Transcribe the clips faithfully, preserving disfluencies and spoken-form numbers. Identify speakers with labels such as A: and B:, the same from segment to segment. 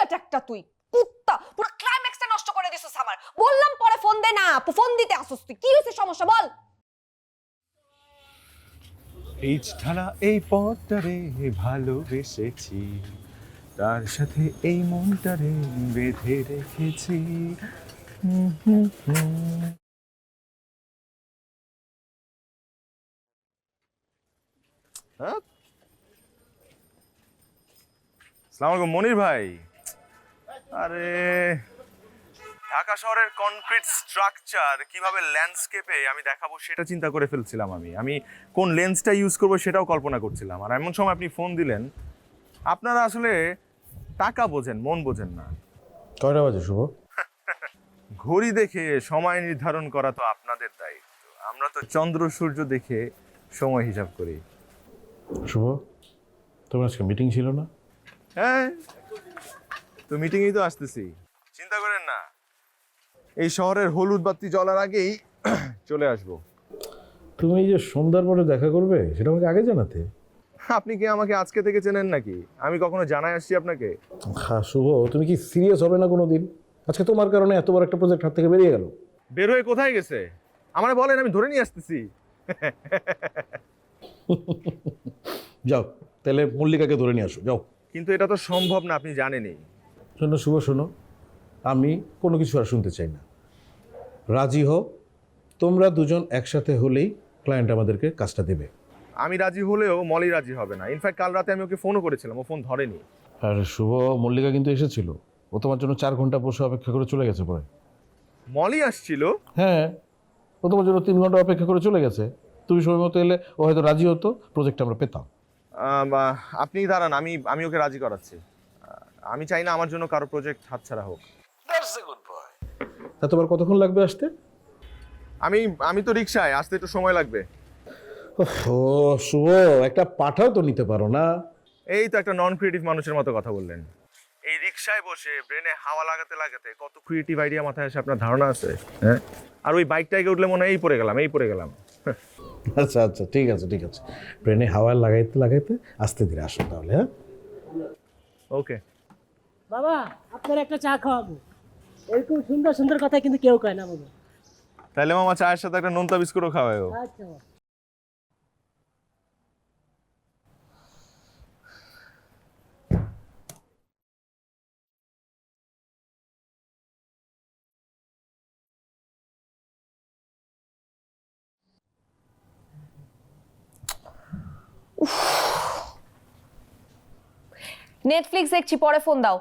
A: Idiot একটা তুই কুত্তা, পুরো ক্লাইম্যাক্সটা নষ্ট করে দিছিস আমার। বললাম পরে ফোন দে না, ফোন দিতে আসছিস তুই। কি হইছে সমস্যা বল?
B: এই ধারা এই পথটারে ভালোবেসেছি, তার সাথে এই মনটারে বেঁধে রেখেছি। হুম হুম হুম। হ্যাঁ, আসসালামু আলাইকুম মনির ভাই। আরে ঢাকা শহরের কনক্রিট স্ট্রাকচার কিভাবে ল্যান্ডস্কেপে আমি দেখাবো সেটা চিন্তা করে ফেলছিলাম। আমি আমি কোন লেন্সটা ইউজ করবো সেটাও কল্পনা করছিলাম। আর এমন সময় আপনি ফোন দিলেন। আপনারা আসলে টাকা বোঝেন, মন বোঝেন না।
C: কয়টা বাজে শুভ?
B: ঘড়ি দেখে সময় নির্ধারণ করা তো আপনাদের দায়িত্ব, আমরা তো চন্দ্র সূর্য দেখে সময় হিসাব করি।
C: শুভ, তোমার আজকে মিটিং ছিল না?
B: হ্যাঁ, তো মিটিংয়েই তো আসতেছি, চিন্তা করেন না। এই শহরের হলুদ বাতি জ্বলার আগেই চলে আসবো।
C: তুমি যে সন্ধ্যার পরে দেখা করবে সেটা আমাকে আগে জানাতে।
B: আপনি কি আমাকে আজকে থেকে চেনেন নাকি? আমি কখনো জানাই আসছি আপনাকে?
C: হ্যাঁ শুভ, তুমি কি সিরিয়াস হবে না কোনো দিন? আজকে তোমার কারণে এত বড় একটা প্রজেক্ট হাত থেকে বেরিয়ে গেল।
B: বের হয়ে কোথায় গেছে আমার বলেন, আমি ধরে নিয়ে আসতেছি।
C: যাও তাহলে মল্লিকাকে ধরে নিয়ে আসো, যাও।
B: কিন্তু এটা তো সম্ভব না, আপনি জানেনই।
C: শোনো শুভ, শোনো, আমি কোনো কিছু আর শুনতে চাই না। রাজি হও, তোমরা দুজন একসাথে হলেই ক্লায়েন্ট আমাদেরকে কাজটা দেবে।
B: আমি রাজি হলেও মলি রাজি হবে না। ইনফ্যাক্ট কাল রাতে আমি ওকে ফোনও করেছিলাম, ও ফোন ধরেনি।
C: আর শুভ, মল্লিকা কিন্তু এসেছিল, ও তোমার জন্য চার ঘন্টা বসে অপেক্ষা করে চলে গেছে পরে।
B: মলি আসছিল?
C: হ্যাঁ, ও তোমার জন্য তিন ঘন্টা অপেক্ষা করে চলে গেছে। তুমি সময় মতো এলে ও হয়তো রাজি হতো, প্রজেক্ট আমরা পেতাম।
B: আম, আহ, আপনি দাঁড়ান, আমি আমি ওকে রাজি করাচ্ছি। আহ, আমি চাই না আমার জন্য কারো প্রজেক্ট হাতছাড়া হোক।
C: তা তোমার কতক্ষণ লাগবে আসতে?
B: আমি আমি তো রিক্সায়, আসতে একটু সময় লাগবে।
C: ও শুভ, একটা পাঠাও তো নিতে পারো না?
B: এই তো একটা নন ক্রিয়েটিভ মানুষের মতো কথা বললেন। এই রিক্সায় বসে ব্রেনে হাওয়া লাগাতে লাগাতে কত ক্রিয়েটিভ আইডিয়া মাথায় আসে আপনার ধারণা আছে? হ্যাঁ, আর ওই বাইকটাকে উঠলে মনে হয় এই পড়ে গেলাম, এই পড়ে গেলাম।
C: আচ্ছা আচ্ছা, ঠিক আছে ঠিক আছে, ব্রেনে হাওয়া লাগাইতে লাগাইতে আস্তে ধীরে আসো তাহলে। হ্যাঁ,
B: ওকে।
D: বাবা, আপনার একটা চা খাওয়াবো। এরকম সুন্দর সুন্দর কথা কিন্তু কেউ কয় না বাবা।
B: তাহলে মামা চায়ের সাথে একটা নোনতা বিস্কুটও খাওয়ায়ও।
D: আচ্ছা বাবা।
A: নেটফ্লিক্স দেখছি, পরে ফোন দাও।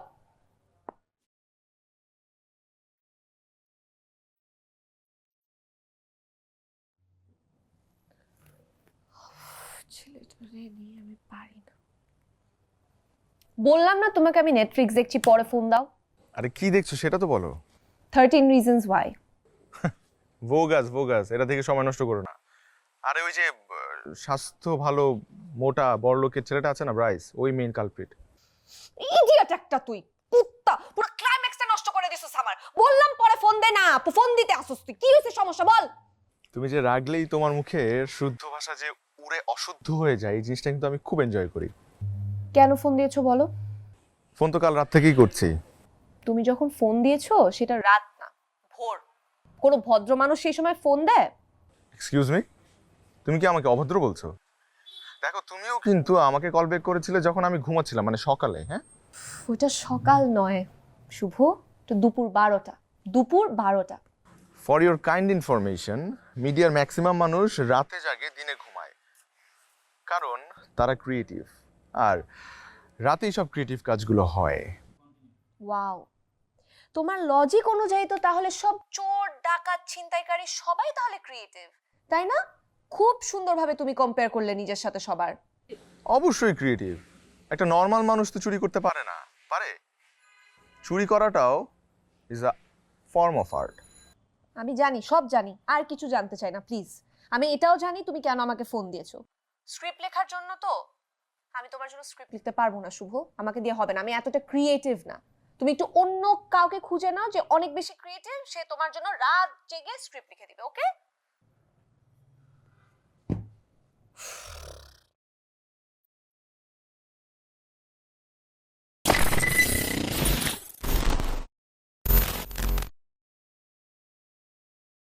A: ছেলেটারে নিয়ে আমি পারি না। বললাম না তোমাকে আমি নেটফ্লিক্স দেখছি, পরে ফোন দাও।
B: আরে কি দেখছো সেটা তো বলো।
A: Thirteen reasons why.
B: Bogus bogus, এটা থেকে সময় নষ্ট করো না। আরে ওই যে আহ, স্বাস্থ্য ভালো মোটা বড়লোকের ছেলেটা আছে না, ব্রাইস, ওই মেইন কালপ্রিট।
A: ইডিয়েট একটা তুই কুত্তা, পুরো ক্লাইম্যাক্সটা নষ্ট করে দিছিস আমার। বললাম পরে ফোন দে না, ফোন দিতে আসছিস তুই। কি হইছে সমস্যা বল?
B: তুমি যে রাগলেই তোমার মুখের শুদ্ধ ভাষা যে উড়ে অশুদ্ধ হয়ে যায়, এই জিনিসটা কিন্তু আমি খুব এনজয় করি।
A: কেন ফোন দিয়েছো বলো?
B: ফোন তো কাল রাত থেকেই করছি।
A: তুমি যখন ফোন দিয়েছো সেটা রাত না, ভোর। কোনো ভদ্র মানুষ সেই সময় ফোন দেয়?
B: এক্সকিউজ মি, তুমি কি আমাকে অভদ্র বলছো? দেখো তুমিও কিন্তু আমাকে কল ব্যাক করেছিলে যখন আমি ঘুমাচ্ছিলাম, মানে সকালে। হ্যাঁ,
A: ওটা সকাল নয় শুভ, তো দুপুর বারোটা। দুপুর বারোটা।
B: ফর ইউর কাইন্ড ইনফরমেশন, মিডিয়ার ম্যাক্সিমাম মানুষ রাতে জাগে, দিনে ঘুমায়, কারণ তারা ক্রিয়েটিভ। আর রাতেই সব ক্রিয়েটিভ কাজগুলো হয়।
A: ওয়াও, তোমার লজিক অনুযায়ী তো তাহলে সব চোর ডাকাত ছিনতাইকারী সবাই তাহলে ক্রিয়েটিভ, তাই না? খুব সুন্দরভাবে তুমি কম্পেয়ার করলে নিজের সাথে সবার।
B: অবশ্যই ক্রিয়েটিভ। একটা নর্মাল মানুষ তো চুরি করতে পারে না, পারে? চুরি করাটাও is a form of art.
A: আমি জানি, সব জানি, আর কিছু জানতে চাই না প্লিজ। আমি এটাও জানি তুমি কেন আমাকে ফোন দিয়েছো। স্ক্রিপ্ট লেখার জন্য তো? আমি তোমার জন্য স্ক্রিপ্ট লিখতে পারবো না শুভ, আমাকে দিয়ে হবে না, আমি এতটা ক্রিয়েটিভ না। তুমি একটু অন্য কাউকে খুঁজে নাও যে অনেক বেশি ক্রিয়েটিভ, সে তোমার জন্য রাত জেগে স্ক্রিপ্ট লিখে দিবে, ওকে?